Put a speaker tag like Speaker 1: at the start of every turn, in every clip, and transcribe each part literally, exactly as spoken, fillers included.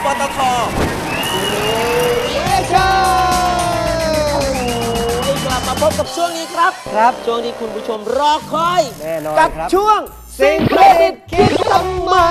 Speaker 1: ปตท.กลับมาพบกับช่วงนี้ครับครับช่วงที่คุณผู้ชมรอคอยแน่นอนกับช่วงสิ่งประดิษฐ์คิดทำไม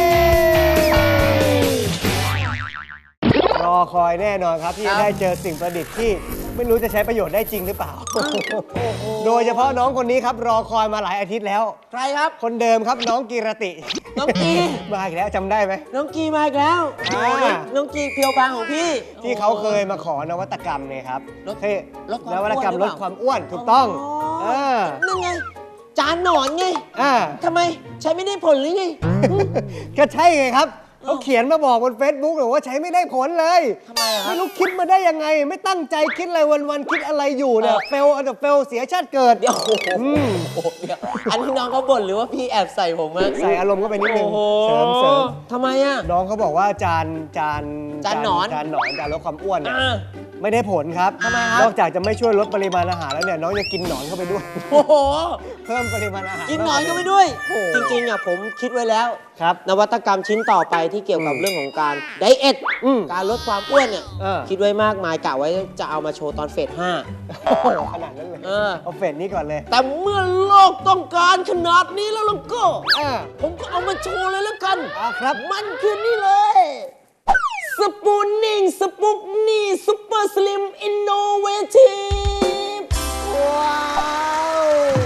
Speaker 2: รอคอยแน่นอนครับที่จะได้เจอสิ่งประดิษฐ์ที่ไม่รู้จะใช้ประโยชน์ได้จริงหรือเปล่าโดยเฉพาะน้องคนนี้ครับรอคอยมาหลายอาทิตย์แล้ว
Speaker 1: ใครครับ
Speaker 2: คนเดิมครับน้องกีรติ
Speaker 1: น้องกี
Speaker 2: มาอีกแล้วจำได้ไหม
Speaker 1: น้องกีมาอีกแล้วน้องกีเพียวบางของพี่
Speaker 2: ที่เขาเคยมาขอนวัตกรรมเนี่ยครับ
Speaker 1: ลด
Speaker 2: นวัตกรรมลดความอ้วนถูกต้อง
Speaker 1: นั่นไงจานหนอนไงทำไมใช้ไม่ได้ผลหรือไง
Speaker 2: ก็ใช่ไงครับเขาเขียนมาบอกบน เฟซบุ๊ก เลยว่าใช้ไม่ได้ผลเลย
Speaker 1: ทำไมอะ
Speaker 2: ไม่รู้คิดมาได้ยังไงไม่ตั้งใจคิดอะไรวันๆคิดอะไรอยู่เนี่ยเฟลอันดับเฟลเสียชาติเกิด
Speaker 1: เดี๋ยวอันนี้น้องเขาบ่นหรือว่าพี่แอบใส่ผมอะ
Speaker 2: ใส่อารมณ์ก็ไปนิดนึงเสริมเสริม
Speaker 1: ทำไมอะ
Speaker 2: น้องเขาบอกว่าจานจาน
Speaker 1: จานหนอน
Speaker 2: จานหนอนจานลดความอ้วนเนี่ยไม่ได้ผลครับ
Speaker 1: ทำไมครับ
Speaker 2: นอกจากจะไม่ช่วยลดปริมาณอาหารแล้วเนี่ยน้องจะกินหนอนเข้าไปด้วย
Speaker 1: โอ้โห
Speaker 2: เพิ่มปริมาณอาหาร
Speaker 1: กินหนอนเข้าไปด้วยจริงๆอ่ะผมคิดไว้แล้ว
Speaker 2: ครับ
Speaker 1: นวัตกรรมชิ้นต่อไปที่เกี่ยวกับเรื่องของการไดเอทการลดความอ้วนเนี่ยคิดไว้มากมายกะไว้จะเอามาโชว์ตอนเฟสห้า
Speaker 2: ขนาดนั้นเลย
Speaker 1: เอา
Speaker 2: เฟสนี้ก่อนเลย
Speaker 1: แต่เมื่อโลกต้องการขนาดนี้แล้วล่ะก็ผมก็เอามาโชว์เลยแล้วกัน
Speaker 2: ครับ
Speaker 1: มันคือนี่เลยสปูนนิ่งสปุกนี่ซุปเปอร์สลิมอินโนเวทีฟว้าว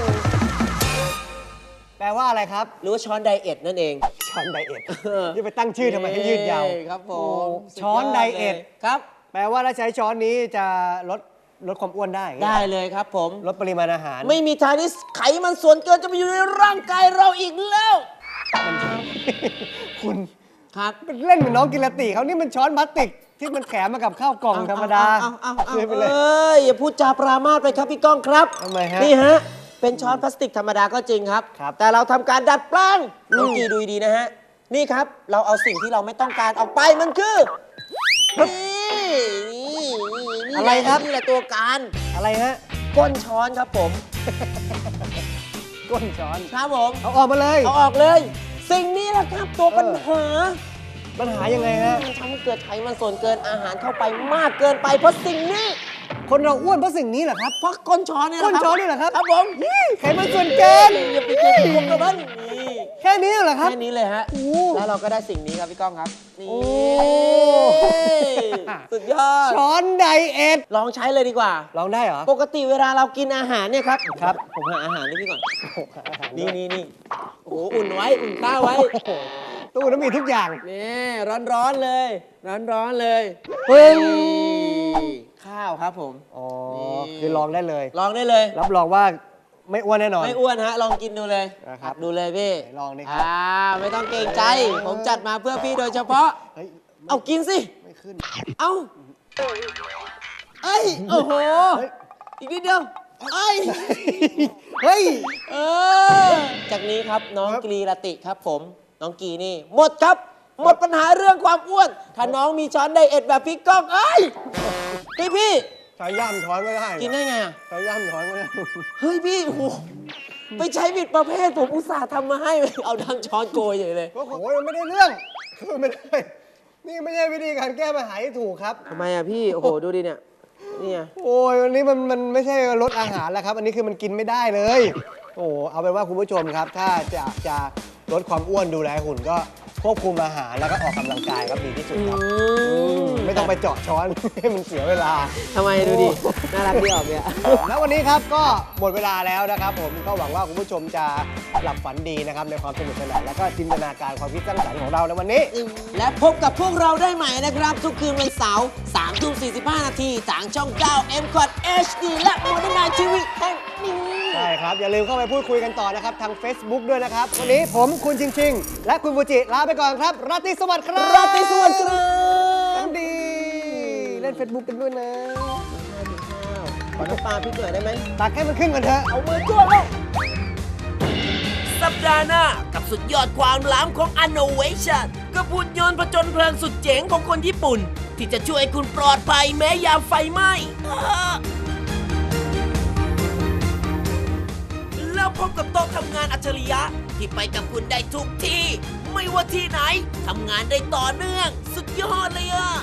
Speaker 2: แปลว่าอะไรครับ
Speaker 1: หรือว่าช้อนไดเอทนั่นเอง
Speaker 2: ช้อนไดเอทนี่ไปตั้งชื่อทำไมให้ยืดยาว
Speaker 1: ครับผม
Speaker 2: ช้อนไดเอท
Speaker 1: ครับ
Speaker 2: แปลว่าถ้าใช้ช้อนนี้จะลดลดความอ้วนได้
Speaker 1: ได้เลยครับผม
Speaker 2: ลดปริมาณอาหาร
Speaker 1: ไม่มีทางที่ไขมันส่วนเกินจะไปอยู่ในร่างกายเราอีกแล้ว
Speaker 2: คุณ
Speaker 1: ครับ
Speaker 2: เล่นเหมือนน้องกิรติเขานี่มันช้อนพลาสติกที่มันแถมมากับข้าวกล่องธรรมดา
Speaker 1: คืนไปเลยเอ้ยอย่าพูดจาปรามาสไปครับพี่ก้องครับ
Speaker 2: ทำไมฮะ
Speaker 1: นี่ฮะเป็นช้อนพลาสติกธรรมดาก็จริงครับแต่เราทำการดัดแปลงน้องกีดูดีนะฮะนี่ครับเราเอาสิ่งที่เราไม่ต้องการออกไปมันคือนี่
Speaker 2: อะไรครับ
Speaker 1: นี่แหละตัวการ
Speaker 2: อะไรฮะ
Speaker 1: ก้นช้อนครับผม
Speaker 2: ก้นช้อน
Speaker 1: ครับผม
Speaker 2: เอาออกมาเลย
Speaker 1: เอาออกเลยสิ่งนี้แหละครับตัวปัญหา
Speaker 2: ปัญหายังไงฮะ
Speaker 1: ทำให้เกิดไขมันส่วนเกินอาหารเข้าไปมากเกินไปเพราะสิ่งนี้
Speaker 2: คนเราอ้วนเพราะสิ่งนี้เหรอครับ
Speaker 1: เพราะก้นช้อนเนี่ย
Speaker 2: ก้นช้อนนี่เหรอครับ
Speaker 1: ครับผม
Speaker 2: ไขมันส่วนเกิน
Speaker 1: อย่าไปกินพวกนั้นนี่
Speaker 2: แค่นี้เหรอครับ
Speaker 1: แค่นี้เลยฮะแล้วเราก็ได้สิ่งนี้ครับพี่ก้องครับนี่สุดยอด
Speaker 2: ช้อนไดเอท
Speaker 1: ลองใช้เลยดีกว่า
Speaker 2: ลองได้เหรอ
Speaker 1: ปกติเวลาเรากินอาหารเนี่ยครับ
Speaker 2: ครับ
Speaker 1: ผมหาอาหารให้พี่ก่อนนี่นี่นี่โอ้โหอุ่นไว้อุ่นข้าวไว้
Speaker 2: ตู้น้ำมีทุกอย่าง
Speaker 1: นี่ร้อนๆเลยร้อนๆเลย
Speaker 2: เฮ้ย
Speaker 1: ข้าวครับผม
Speaker 2: อ๋อคือลองได้เลย
Speaker 1: ลองได้เลย
Speaker 2: รับรองว่าไม่อ้วนแน่นอน
Speaker 1: ไม่อ้วนฮะลองกินดูเลย
Speaker 2: นะครับ
Speaker 1: ดูเลยพี่
Speaker 2: ลองดิ
Speaker 1: ครับอ่าไม่ต้องเกรงใจผมจัดมาเพื่อพี่โดยเฉพาะเอากินสิ
Speaker 2: ไม่ขึ้น
Speaker 1: เอาเอ้ยโอ้โหอีกนิดเดียวเอ้ย
Speaker 2: เฮ้ย
Speaker 1: เออจากนี้ครับน้องกีรติครับผมน้องกีนี่หมดครับหมดปัญหาเรื่องความอ้วนถ้าน้องมีช้อนไดเอทแบบพี่ก้องเอ้ยพี่พี่
Speaker 2: ใช้ย่ำช้อนก็ได้
Speaker 1: กินได้ไงอ่ะ
Speaker 2: ใช้ย่ำช้อนก็ได้
Speaker 1: เฮ้ยพี่โอ้โหไปใช้ผิดประเภทผมอุตส่าห์ทำมาให้เอาดังช้อนโกยอย่างเลย
Speaker 2: โอ้โหไม่ได้เรื่องคือไม่ได้นี่ไม่ใช่วิธีการแก้ปัญหาที่ถูกครับ
Speaker 1: ทำไมอ่ะพี่โอ้โหดูดิเนี่ยนี่
Speaker 2: โอ้ยวันนี้มันมันไม่ใช่ลดอาหารแล้วครับอันนี้คือมันกินไม่ได้เลยโอ้เอาเป็นว่าคุณผู้ชมครับถ้าจะจะลดความอ้วนดูแลหุ่นก็ควบคุมอาหารแล้วก็ออกกำลังกายครับดีที่สุดครับไม่ต้องไปเจาะช้อนให้มันเสียเวลา
Speaker 1: ทำไมดูดิน่ารักดีออกเนี่ย
Speaker 2: แล้ววันนี้ครับก็หมดเวลาแล้วนะครับผมก็หวังว่าคุณผู้ชมจะหลับฝันดีนะครับในความสนุกสนานแล้วก็จินตนาการความคิดสร้างสรรค์ของเราในวันนี้
Speaker 1: และพบกับพวกเราได้ใหม่นะครับทุกคืนวันเสาร์สามทุ่มสี่สิบห้านาทีทางช่องเก้า เอ็ม คอท เอช ดี และ Modern Night ที วี แห่งนี้
Speaker 2: ใช่ครับอย่าลืมเข้าไปพูดคุยกันต่อนะครับทาง Facebook ด้วยนะครับวันนี้ผมคุณชิงชิงและคุณฟูจิลาไปก่อนครับราตรีสวัสดิ์ครับ
Speaker 1: ราตรีสวัสดิ์ครับ
Speaker 2: ดีเล่น Facebook กันด้วยนะ
Speaker 1: ขอน้ำปลาพี่เกิดได้ไหม
Speaker 2: ตักให้มันขึ้นก่อนเถอะ
Speaker 1: เอามือจ้วงแล้วสัปดาห์หน้ากับสุดยอดความล้ำของ Innovation กับหุ่นยนต์ผจญเพลิงสุดเจ๋งของคนญี่ปุ่นที่จะช่วยคุณปลอดภัยแม้ยามไฟไหม้แล้วพบกับโต๊ะทำงานอัจฉริยะที่ไปกับคุณได้ทุกที่ไม่ว่าที่ไหนทำงานได้ต่อเนื่องสุดยอดเลยอะ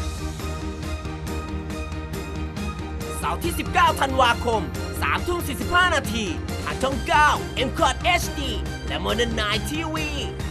Speaker 1: เสาร์ที่ สิบเก้า ธันวาคม สามทุ่มสี่สิบห้า นาทีทางช่อง เก้า เอ็ม คอร์ด เอช ดี และ Modern ไนน์ ที วี